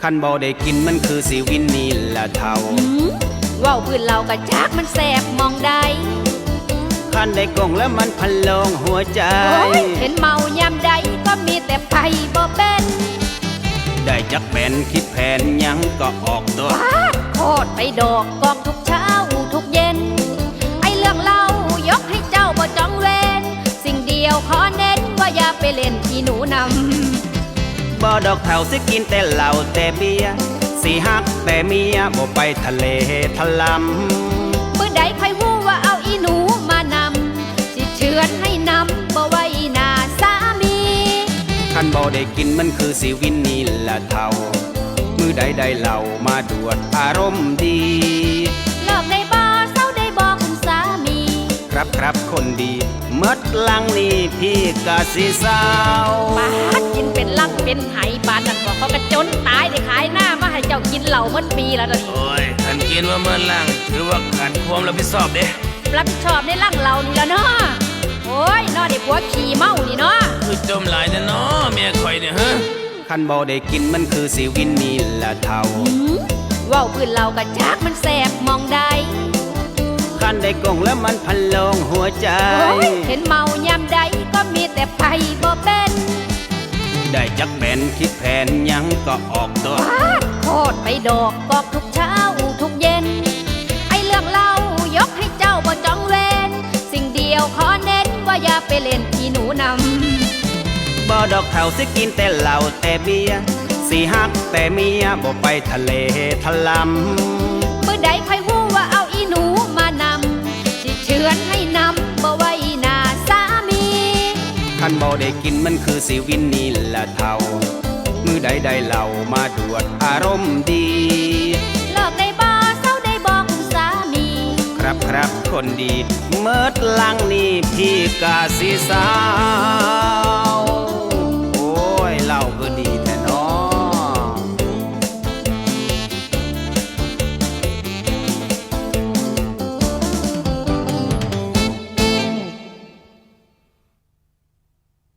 คันบ่ได้กินมันคือสิวินนี่ละเท่าว่าวพื้นเรากระจากมันแสบมองได้คันได้กงแล้วมันพันลงหัวใจเห็นเมายามใดก็มีแต่ไผ่บ่เป็นได้จักแผนคิดแผนยังก็ออกตัวโคตรไปดอกกองทุกเช้าทุกเย็นไอเรื่องเล่ายกให้เจ้าบ่จ้องเว้นสิ่งเดียวขอเน้นว่าอย่าไปเล่นที่หนูนำบ่ดอกเผาสิกินแต่เหล้าแต่เบียร์สิฮักแต่เมียบ่ไปทะเลทะลำมื้อใดใครฮู้ว่าเอาอีหนูมานำสิเชือนให้นำบ่ไว้หน้าสามีคันบ่ได้กินมันคือสิวินนี่ละเท่ามือใดได้เหล้ามาดวดอารมณ์ดีเลิกได้บ่เศร้าได้บ่คุณสามีครับคนดีเมื่อลังนี่พี่กะสิสาวบาดกินเป็นลังเป็นไหบาดนั่นบอกเขากระจนตายได้ขายหน้ามาให้เจ้ากินเหล้าเมื่อปีแล้วนี่โอ้ยขันกินว่าเมื่อลังถือว่าขันความรับผิดชอบเด้รับผิดชอบในลังเรานี่แล้วเนาะโอ้ยนอเด็กหัวขี่เมานี่เนาะคือจมหลายแต่เนาะเมียคอยเนี่ยฮะคันบ่ได้กินมันคือสิวินนี่ละเท่าว่าวพื้นเรากระจากมันแสบมองได้คันได้กงแล้วมันพันลงหัวใจเห็นเมายามใดก็มีแต่ไผ่บ่เป็นได้จักแผนคิดแผนยังก็ออกตัวโคตรไปดอกกอกทุกเช้าทุกเย็นไอเรื่องเล่ายกให้เจ้าบ่จ้องเว้นสิ่งเดียวขอเน้นว่าอย่าไปเล่นที่หนูนำบ่ดอกเผาสิกินแต่เหล้าแต่เบียร์สิฮักแต่เมียบ่ไปทะเลทะลำมื้อใดใครฮู้ว่าเอาอีหนูมานำสิเชือนให้นำบ่ไว้หน้าสามีคันบ่ได้กินมันคือสิวินนี่ละเท่ามือใดได้เหล้ามาดวดอารมณ์ดีเลิกได้บ่เศร้าได้บ่คุณสามีครับคนดีเมื่อลังนี่พี่กะสิสาว